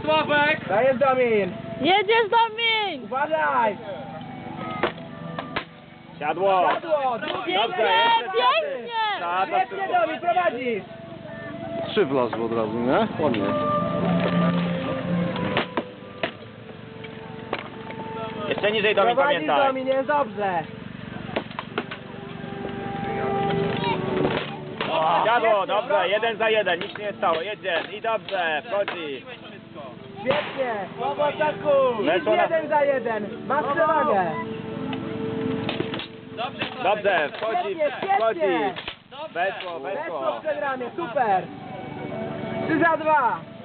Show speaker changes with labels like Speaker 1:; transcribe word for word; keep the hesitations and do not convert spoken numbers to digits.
Speaker 1: Sławek!
Speaker 2: Dajesz, Domin!
Speaker 3: Jedziesz, Domin!
Speaker 2: Uważaj!
Speaker 4: Siadło!
Speaker 2: Siadło! Drugie!
Speaker 3: Pięknie, pięknie!
Speaker 4: Tak,
Speaker 2: Świetnie, Domin, prowadzisz!
Speaker 5: Trzy wlazły od razu, nie? Ładnie.
Speaker 4: Jeszcze niżej Domin,
Speaker 2: Prowadzisz,
Speaker 4: pamiętaj.
Speaker 2: Domin, jest dobrze!
Speaker 4: Siadło, dobrze, jeden za jeden, nic się nie stało, jedzie i dobrze, wchodzi.
Speaker 2: Świetnie! Słabo atakuj! Nic
Speaker 4: Weszło na-
Speaker 2: jeden za jeden! Masz przewagę!
Speaker 4: Dobrze, wchodzi,
Speaker 2: Świetnie,
Speaker 4: wchodzi.
Speaker 2: świetnie!
Speaker 4: Weszło,
Speaker 2: Weszło
Speaker 4: weszło.
Speaker 2: w przegranie, super! trzy za dwa!